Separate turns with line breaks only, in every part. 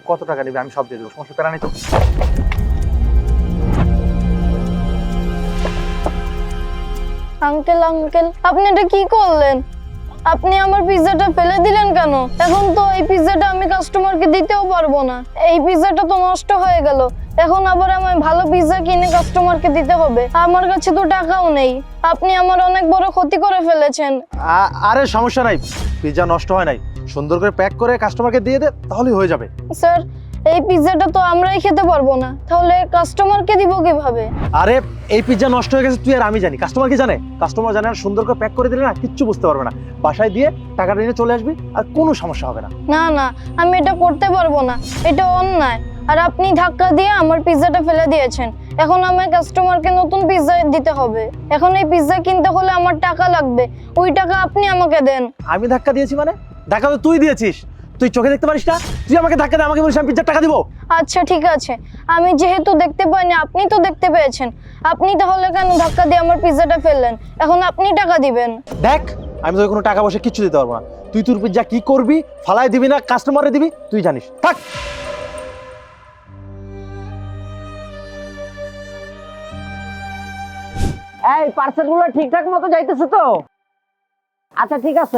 কত টাকা নেবে আমি সব দিয়ে দেবো, সমস্যা প্যারা নেই তো।
আঙ্কেল আঙ্কেল, আপনি এটা কি করলেন? আপনি আমার পিৎজাটা ফেলে দিলেন কেন? এখন তো এই পিৎজাটা আমি কাস্টমারকে দিতেও পারবো না। এই পিৎজাটা তো নষ্ট হয়ে গেল। এখন আবার আমায় ভালো পিৎজা কিনে কাস্টমারকে দিতে হবে। আমার কাছে তো টাকাও নেই। আপনি আমার অনেক বড় ক্ষতি করে ফেলেছেন।
আরে সমস্যা নাই, পিৎজা নষ্ট হয় নাই, সুন্দর করে প্যাক করে কাস্টমারকে দিয়ে দে, তাহলেই হয়ে যাবে।
স্যার, এই পিৎজাটা তো আমরাই খেতে পারবো না, তাহলে কাস্টমারকে দিব কিভাবে?
আরে এই পিৎজা নষ্ট হয়ে গেছে তুই আর আমি জানি, কাস্টমার কি জানে? কাস্টমার জানে আর সুন্দর করে প্যাক করে দিলে না কিচ্ছু বুঝতে পারবে না। বাসায় দিয়ে টাকাটা নিয়ে চলে আসবি আর কোনো সমস্যা হবে না।
না না, আমি এটা করতে পারবো না, এটা অন্যায়। আর আপনি ধাক্কা দিয়ে আমার পিৎজাটা ফেলে দিয়েছেন। এখন আমার কাস্টমারকে নতুন পিৎজা দিতে হবে। এখন এই পিৎজা কিনতে হলে আমার টাকা লাগবে, ওই টাকা আপনি আমাকে দেন।
আমি ধাক্কা দিয়েছি মানে? ধাক্কা তো তুই দিয়েছিস, তুই চোখে দেখতে পারিস না? তুই আমাকে ধাক্কা দিয়ে আমাকে বলিস আমি পিৎজার টাকা দিব?
আচ্ছা ঠিক আছে, আমি যেহেতু দেখতে পাইনি, আপনি তো দেখতে পেয়েছেন, আপনি তাহলে কেন ধাক্কা দিয়ে আমার পিৎজাটা ফেললেন? এখন আপনি টাকা দিবেন।
দেখ, আমি তোকে কোনো টাকা পয়সা কিচ্ছু দিতে পারবো না। তুই তোর পিৎজা কি করবি, ফালাই দিবি না কাস্টমারে দিবি, তুই জানিস। থাক।
এই পার্সেলগুলো ঠিকঠাক মতো যাইতেছে তো? আচ্ছা ঠিক আছে।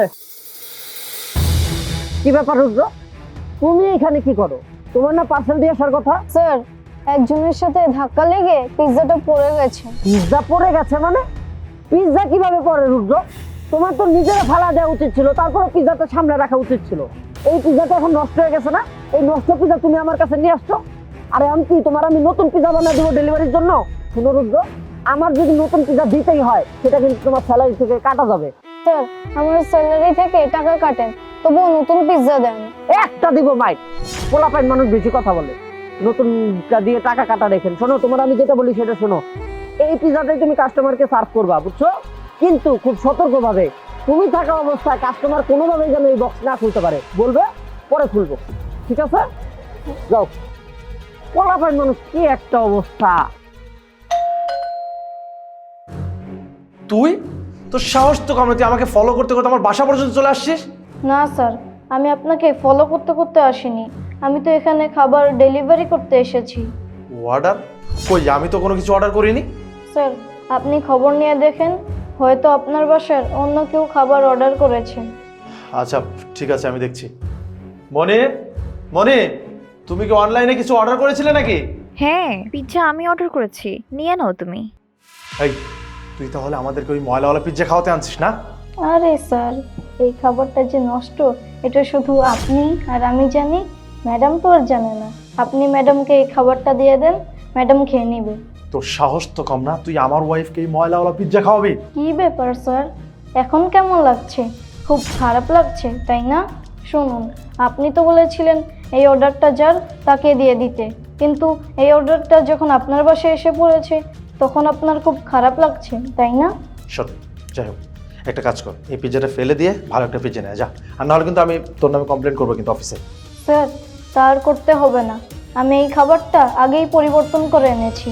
কি ব্যাপার রুদ্র, তুমি এখানে কি করো? তোমার না পার্সেল দিয়ে আসার কথা?
স্যার, একজনের সাথে ধাক্কা লেগে পিৎজাটা পড়ে গেছে।
পিৎজা পড়ে গেছে মানে? পিৎজা কিভাবে পড়ে রুদ্র? তোমার তো নিজেরা ফালা দেওয়া উচিত ছিল, তারপরে পিৎজাটা সামনে রাখা উচিত ছিল। এই পিৎজাটা এখন নষ্ট হয়ে গেছে না? এই নষ্ট পিৎজা তুমি আমার কাছে নিয়ে আসছো। আরে আমি কি তোমার আমি নতুন পিৎজা বানিয়ে দেবো ডেলিভারির জন্য? শুনো রুদ্র, আমার যদি নতুন পিৎজা দিতেই হয় সেটা কিন্তু তোমার স্যালারি থেকে কাটা যাবে।
স্যার, আমার স্যালারি থেকে টাকা কাটেন, তবুও নতুন পিৎজা দেন।
একটা দিব মাইক, পোলাপাইন মানুষ বেশি কথা বলে। নতুনটা দিয়ে টাকা কাটা রেখেন। শোনো, তোমার আমি যেটা বলি সেটা শোনো। এই পিৎজাটাই তুমি কাস্টমারকে সার্ভ করবা, বুঝছো? কিন্তু খুব সতর্কভাবে। তুমি থাকা অবস্থায় কাস্টমার কোনোভাবেই যেন এই বক্স না খুলতে পারে। বলবে, পরে খুলবো, ঠিক আছে? যাও। পোলাপাইন মানুষ কি একটা অবস্থা।
তুই তোর সাহস তো কম না, তুই আমাকে ফলো করতে করতে আমার বাসা পর্যন্ত চলে আসছিস।
না স্যার, আমি আপনাকে ফলো করতে করতে আসিনি, আমি তো এখানে খাবার ডেলিভারি করতে এসেছি।
অর্ডার? কই, আমি তো কোনো কিছু অর্ডার করিনি।
স্যার, আপনি খবর নিয়ে দেখেন, হয়তো আপনার বাসার অন্য কেউ খাবার অর্ডার করেছে।
আচ্ছা ঠিক আছে, আমি দেখছি। মনে মনে, তুমি কি অনলাইনে কিছু অর্ডার করেছিলে নাকি?
হ্যাঁ, পিৎজা আমি অর্ডার করেছি, নিয়ে নাও তুমি।
এই, তুই তাহলে আমাদেরকে ওই ময়লাওয়ালা পিৎজা খাওয়াতে আনছিস না?
আরে স্যার, এই খাবারটা যে নষ্ট, এটা শুধু আপনি আর আমি জানি, ম্যাডাম তো আর জানে না। আপনি ম্যাডামকে এই খাবারটা দিয়ে দেন, ম্যাডাম খেয়ে নেবে।
তোর সাহস তো কম না, তুই আমার ওয়াইফকে এই ময়লাওয়ালা পিৎজা খাওয়াবি?
কি ব্যাপার স্যার, এখন কেমন লাগছে? খুব খারাপ লাগছে তাই না? শুনুন, আপনি তো বলেছিলেন এই অর্ডারটা যার তাকে দিয়ে দিতে, কিন্তু এই অর্ডারটা যখন আপনার বাসায় এসে পড়েছে তখন আপনার খুব খারাপ লাগছে তাই না?
শোন, যাই হোক, একটা কাজ কর, এই পিৎজাটা ফেলে দিয়ে ভালো একটা পিৎজা নিয়ে যা, আর নাহলে কিন্তু আমি তোর নামে কমপ্লেন করবো কিন্তু অফিসে।
স্যার, তার করতে হবে না, আমি এই খাবারটা আগেই পরিবর্তন করে এনেছি।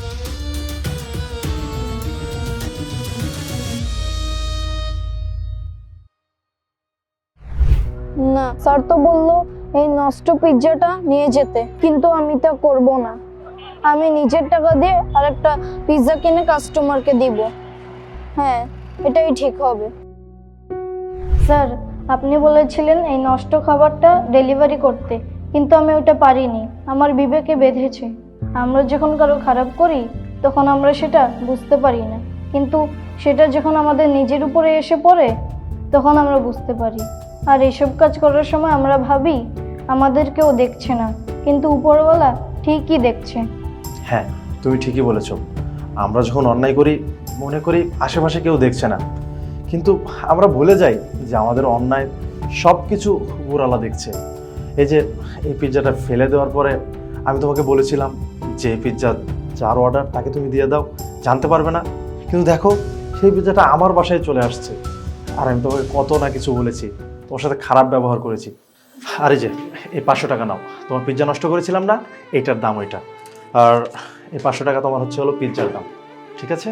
না, স্যার তো বললো এই নষ্ট পিৎজাটা নিয়ে যেতে, কিন্তু আমি তা করব না। আমি নিজের টাকা দিয়ে আরেকটা পিৎজা কিনে কাস্টমারকে দিব। হ্যাঁ, এটাই ঠিক হবে। স্যার, আপনি বলেছিলেন এই নষ্ট খাবারটা ডেলিভারি করতে, কিন্তু আমি ওটা পারিনি, আমার বিবেকে বেঁধেছে। আমরা যখন কারো খারাপ করি তখন আমরা সেটা বুঝতে পারি না, কিন্তু সেটা যখন আমাদের নিজের উপরে এসে পড়ে তখন আমরা বুঝতে পারি। আর এসব কাজ করার সময় আমরা ভাবি আমাদের কেউ দেখছে না, কিন্তু উপরওয়ালা ঠিকই দেখছে।
হ্যাঁ, তুমি ঠিকই বলেছো। আমরা যখন অন্যায় করি মনে করি আশেপাশে কেউ দেখছে না, কিন্তু আমরা ভুলে যাই যে আমাদের অন্যায় সব কিছু উপরওয়ালা দেখছে। এই যে এই পিৎজাটা ফেলে দেওয়ার পরে আমি তোমাকে বলেছিলাম যে এই পিৎজা যার অর্ডার তাকে তুমি দিয়ে দাও, জানতে পারবে না, কিন্তু দেখো সেই পিৎজাটা আমার বাসায় চলে আসছে। আর আমি তোমাকে কত না কিছু বলেছি, তোমার সাথে খারাপ ব্যবহার করেছি। আর এই যে এই 500 টাকা নাও, তোমার পিৎজা নষ্ট করেছিলাম না, এইটার দাম ওইটা। আর এই 500 টাকা তোমার হচ্ছে হলো পিৎজার দাম, ঠিক আছে?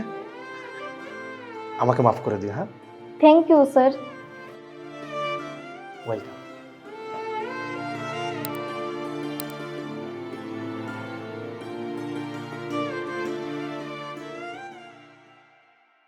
আমাকে মাফ করে দিও। হ্যাঁ,
থ্যাংক ইউ স্যার।
ওয়েলকাম।